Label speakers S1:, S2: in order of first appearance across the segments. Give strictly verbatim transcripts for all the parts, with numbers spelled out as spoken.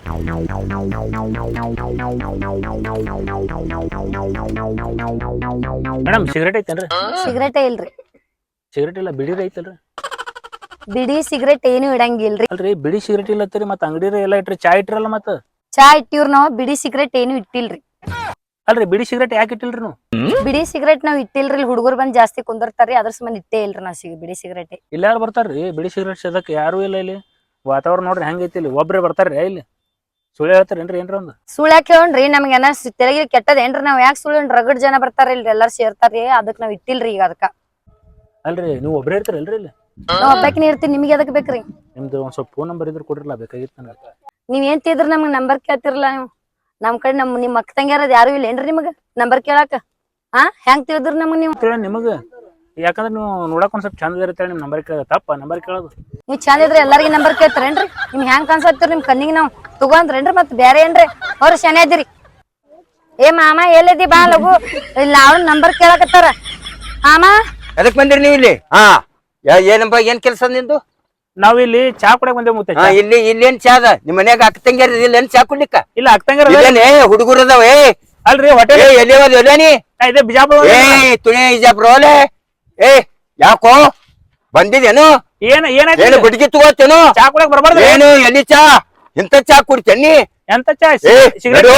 S1: Madam cigarette ಐತೇನ್ರಿ?
S2: ಸಿಗರೇಟೇ ಇಲ್ರಿ.
S1: Cigarette ಇಲ್ಲ, ಬಿಡಿ ಐತಲ್ರಿ?
S2: ಬಿಡಿ ಸಿಗರೇಟ್ ಏನು ಇಡಂಗಿಲ್ರಿ.
S1: ಅಲ್ರಿ ಬಿಡಿ ಸಿಗರೇಟ್ ಇಲ್ಲತ್ತೀರಿ, ಮತ್ತ ಅಂಗಡಿ ಎಲ್ಲ ಇಟ್ರಿ, ಚಾ ಇಟ್ರಲ್ಲ ಮತ್ತ?
S2: ಚಾ ಇಟ್ಟಿವ್ರ ನಾವ್, ಬಿಡಿ ಸಿಗರೇಟ್ ಏನು ಇಟ್ಟಿಲ್ರಿ.
S1: ಅಲ್ರಿ ಬಿಡಿ ಸಿಗರೇಟ್ ಯಾಕೆ ಇಟ್ಟಿಲ್ರಿ ನೀವು?
S2: ಬಿಡಿ ಸಿಗರೇಟ್ ನಾವ್ ಇಟ್ಟಿಲ್ರಿ, ಹುಡುಗರು ಬಂದ್ ಜಾಸ್ತಿ ಕುಂದಿರ್ತಾರ್ರಿ, ಅದ್ರ ಸಂಬಂಧ ಇಟ್ಟೇ ಇಲ್ರಿ ನಾವ್ ಸಿಗ ಬಿಡಿ ಸಿಗರೇಟ್.
S1: ಇಲ್ಲ ಯಾರು ಬರ್ತಾರ್ರಿ ಬಿಡಿ ಸಿಗರೇಟ್ ಸೇದಕ್? ಯಾರು ಇಲ್ಲ ಇಲ್ಲಿ. ವಾತಾವರಣ ನೋಡ್ರಿ ಹೆಂಗೈತಿ ಇಲ್ಲಿ, ಒಬ್ರೇ ಬರ್ತಾರ್ರಿ ಇಲ್ಲಿ. ಸುಳ್ಳು ಹೇಳ್ತಾರೇನ್ರಿ ಏನ್ರ ಒಂದು? ಸುಳ್ಳು
S2: ಯಾಕೆ ಹೇಳ್ರಿ, ನಮ್ಗೆ ಏನ ತೆಲಗಿ ಕೆಟ್ಟದೇನ್ರಿ? ನಾವ್ ಯಾಕೆ ಸುಳ್ಳು? ರಗಡ್ ಜನ ಬರ್ತಾರ ಇಲ್ರಿ, ಎಲ್ಲಾರು ಸೇರ್ತಾರ್ರಿ, ಅದಕ್ ನಾವ್ ಇಟ್ಟಿಲ್ರಿ ಈಗ ಅದಕ್ಕ.
S1: ಅಲ್ರಿ ನೀವು ಒಬ್ರೇ ಇರ್ತೀರಲ್ರಿ ಇಲ್ಲಿ?
S2: ನಾವ್ ಒಬ್ಬಾಕಿನ ಇರ್ತೀವಿ, ನಿಮ್ಗೆ ಅದಕ್ಕೆ ಬೇಕ್ರಿ?
S1: ನಿಮ್ದು ಒಂದ್ ಸ್ವಲ್ಪ ಫೋನ್ ನಂಬರ್ ಇದ್ರೆ ಕೊಡ್ರಲ್ಲ, ಬೇಕಾಗಿತ್ತು ನನಗೆ.
S2: ನೀವ್ ಏನ್ ತಿದ್ರ ನಮ್ಗೆ ನಂಬರ್ ಕೇಳ್ತಿರಲ್ಲ ನೀವು? ನಮ್ ಕಡೆ ನಮ್ ನಿಮ್ ಅಕ್ಕ ತಂಗ್ಯಾರದ್ ಯಾರು ಇಲ್ಲ ಏನ್ರಿ ನಿಮಗ ನಂಬರ್ ಕೇಳಾಕ? ಹಾ ಹೆಂಗ್ ತಿಳಿದ್ರ ನಮಗ್ ನೀವು?
S1: ನಿಮಗ ಯಾಕಂದ್ರೆ ನೀವು ನೋಡಕ್ ಒಂದ್ ಸ್ವಲ್ಪ ಚಂದ ಇರುತ್ತೆ, ನಿಮ್ ನಂಬರ್ ಕೇಳೋದು ತಪ್ಪ? ನಂಬರ್ ಕೇಳೋದು
S2: ನೀವ್ ಚಂದ ಇದ್ರೆ ಎಲ್ಲಾರ್ಗಿ ನಂಬರ್ ಕೇಳ್ತಾರೇನ್ರಿ? ನಿಮ್ ಹೆಂಗ್ ಕಾಣ್ಸತ್ತೀರಿ ನಿಮ್ ಕಣ್ಣಿಗೆ? ನಾವ್ ತಗೊಂಡ್ರೇನ್ರಿ ಮತ್ ಬೇರೆ ಏನ್ರಿ? ಅವ್ರ ಶನಿ ಅದಿರಿ. ಏ ಮಾಮ ಎಲ್ಲದಿ ಬಾ ಲಗು, ಇಲ್ಲ ಅವ್ರ ನಂಬರ್ ಕೇಳಕತ್ತಾರ. ಮಾಮ
S3: ಎದಕ್ ಬಂದಿರಿ ನೀವು ಇಲ್ಲಿ? ಹಾ ಏನಪ್ಪ, ಏನ್ ಕೆಲಸ ನಿಂದು?
S1: ನಾವ್ ಇಲ್ಲಿ ಚಾ ಕುಡಕ್ ಬಂದೇವ್ ಮುತ್ತೆ.
S3: ಇಲ್ಲಿ ಇಲ್ಲೇನ್ ಚಾ ಅದ? ನಿಮ್ ಮನ್ಯಾಗ ಅಕ್ಕ ತಂಗ್ಯಾರ ಇಲ್ಲೇನ್ ಚಾ ಕುಡ್ಲಿಕ್ಕ?
S1: ಇಲ್ಲ ಅಕ್ಕ ತಂಗ್ಯಾರ
S3: ಹುಡುಗರು ಅದಾವ.
S1: ಅಲ್ರಿ ಹೋಟೆಲ್
S3: ಎಲ್ಲಿ
S1: ಇದೆ ಬಿಜಾಪುರ.
S3: ಏ ತುಣಿ ಬಿಜಾಪುರ ಓಲೆ. ಏ ಯಾಕೋ ಬಂದಿದೇನು?
S1: ಏನ ಏನಾಯ್ತು?
S3: ಏನು ಗುಡ್ಗಿ ತಗೋತೇನು?
S1: ಚಾ ಕುಡಕ್ ಬರ್ಬಾರ್ದು.
S3: ಏನು ಎಲ್ಲಿ ಚಾ? ಇಂತ ಚಾ ಕುಡ್ತೇನಿ?
S1: ಎಂತ ಚಾ?
S3: ಸಿಗರೇಟ್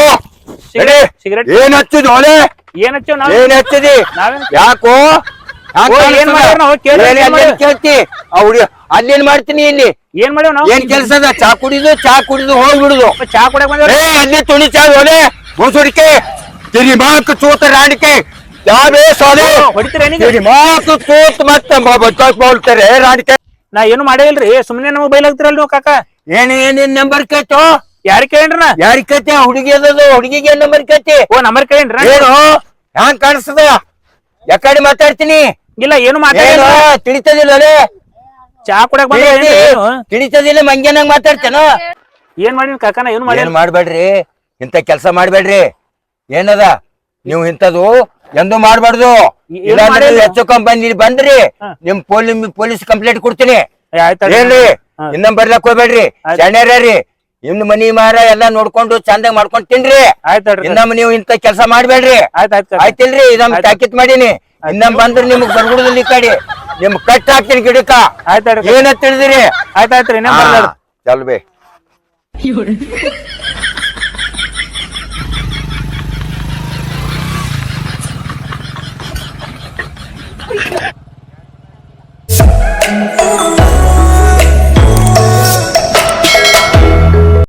S3: ಏನ್ ಹಚ್ಚುದು ಓಲೆ?
S1: ಏನ್ ಹಚ್ಚೋ ನಾವ್?
S3: ಏನ್ ಹಚ್ಚದಿ? ಯಾಕೋ
S1: ಏನ್
S3: ಕೇಳ್ತಿ? ಹುಡುಗ ಅಲ್ಲೇನ್ ಮಾಡ್ತೀನಿ ಇಲ್ಲಿ?
S1: ಏನ್ ಮಾಡ್ಯಾವ ನಾವು?
S3: ಏನ್ ಕೆಲ್ಸ ಅದ? ಚಾ ಕುಡಿದು ಚಾ ಕುಡಿದು ಹೋಗ್ಬಿಡುದು.
S1: ಚಾ ಕುಡಕ್ ಬಂದ
S3: ಅಲ್ಲಿ ತುಣಿ ಚಾ ಓಲೆ ಮುಸುಡಿಕೆ ತಿರಿ ಮಾಕ್ ಚೂತ ರಾಣಿಕೆ ಯಾವೇ ಸೋಲೆ ಹೊಡಿತೀರಿ ಮಾಕ್ ಚೂತ್ ಮತ್ತೆ ಬೋಲ್ತಾರೆ ರಾಣಿಕೆ.
S1: ನಾ ಏನು ಮಾಡೇ ಇಲ್ರಿ, ಸುಮ್ನೆ ನಮಗ್ ಬೈಲಾಗ್ತಿರಲ್ ನೀವು ಕಾಕ.
S3: ಏನ್ ಏನೇನ್ ನಂಬರ್ ಕೇಳ್ತೋ?
S1: ಯಾರ ಕೇಳ್ರಿ?
S3: ಯಾರಿಗ್ ಕೇಳ್ತಿ? ಹುಡುಗಿ ಅದದು, ಹುಡುಗಿಗೆ ನಂಬರ್ ಕೇಳ್ತಿ?
S1: ಓ ನಂಬರ್ ಕೇಳ್ರಿ?
S3: ಏನು ಹ್ಯಾಂಗ್ ಕಾಣಿಸ್ತದ? ಯಾಕಡೆ ಮಾತಾಡ್ತೀನಿ?
S1: ಇಲ್ಲ ಏನು ಮಾತಾಡ
S3: ತಿಳಿತದಿಲ್ಲ
S1: ಚಾ ಕುಡಕ್ ಬಂದ
S3: ತಿಳಿತದಿಲ್ಲ, ಮಂಗ್ಯನಂಗ್ ಮಾತಾಡ್ತೇನ?
S1: ಏನ್ ಮಾಡಿ ಕಾಕನ? ಏನು ಮಾಡಿ
S3: ಏನ್ ಮಾಡ್ಬೇಡ್ರಿ, ಇಂತ ಕೆಲ್ಸ ಮಾಡ್ಬೇಡ್ರಿ. ಏನದ ನೀವು ಇಂಥದ್ದು ಎಂದು ಮಾಡ್ಬಾರ್ದು. ಹೆಚ್ಚು ಕಂಪನಿ ಬಂದ್ರಿ ನಿಮ್ ಪೊಲೀಸ್ ಪೊಲೀಸ್ ಕಂಪ್ಲೇಂಟ್ ಕೊಡ್ತೀನಿ. ಏನ್ರಿ ಇನ್ನೊಂದ್ ಬರ್ಲಕ್ ಹೋಗ್ಬೇಡ್ರಿ, ಶಣ್ಯರ್ರಿ. ಇನ್ ಮನಿ ಮಾರ ಎಲ್ಲಾ ನೋಡ್ಕೊಂಡು ಚಂದಾಗ ಮಾಡ್ಕೊಂಡ್ ತಿನ್ರಿ. ಇನ್ನೊಮ್ಮೆ ನೀವು ಇಂತ ಕೆಲ್ಸ ಮಾಡ್ಬೇಡ್ರಿ, ಆಯ್ತಿಲ್ರಿ? ಇದಮ್ ತಾಕೀತ್ ಮಾಡೀನಿ. ಇನ್ನೊಮ್ಮೆ ಬಂದ್ರೆ ನಿಮ್ಗ್ ಬರ್ಗುಡದಲ್ಲಿ ಈ ಕಡೆ ನಿಮ್ ಕಟ್ ಹಾಕ್ತೀನಿ ಗಿಡಕ್ಕ. ಏನ ತಿಳಿದಿರಿ?
S1: ಆಯ್ತಾಯ್ತ್ರಿ
S3: ಚಲ್ ಬೇ.
S4: Oh